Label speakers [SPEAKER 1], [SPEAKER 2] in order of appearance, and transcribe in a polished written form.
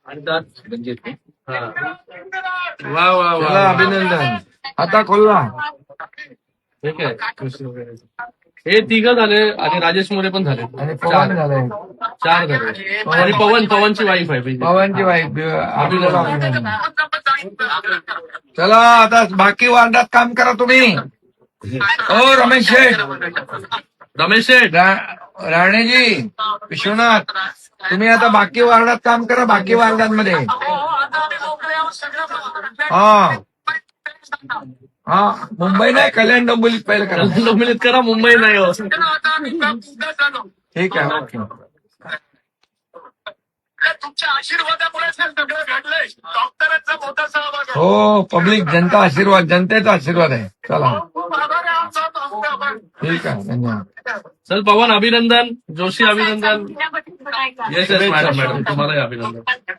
[SPEAKER 1] हा. वा वा वा
[SPEAKER 2] चला अभिनंदन. आता खोलला.
[SPEAKER 1] ठीक आहे. हे तिघं झाले आणि राजेश मोरे पण झाले.
[SPEAKER 2] आणि पवन झालंय.
[SPEAKER 1] 4 झाले. आणि पवनची वाईफ आहे.
[SPEAKER 2] पवनची वाईफ अभिनंदन. चला आता बाकी वार्डात काम करा तुम्ही. ओ रमेश शेठ, राणेजी, विश्वनाथ, तुम्ही आता बाकी वार्डात काम करा. बाकी वार्डांमध्ये हा मुंबई नाही, कल्याण डोंबिवलीत पहिलं करा.
[SPEAKER 1] डोंबिवलीत करा, मुंबई नाही हो.
[SPEAKER 2] ठीक आहे. ओके.
[SPEAKER 3] तुमच्या आशीर्वादामुळे सगळं घडलंय. डॉक्टरांचा मोठा सहभाग आहे.
[SPEAKER 2] हो, पब्लिक जनता आशीर्वाद, जनतेचा आशीर्वाद आहे. चला
[SPEAKER 3] खूप आभार आहे आमचा.
[SPEAKER 2] ठीक आहे. धन्यवाद.
[SPEAKER 1] चल पवन अभिनंदन, जोशी अभिनंदन. येस मॅडम, तुम्हालाही अभिनंदन.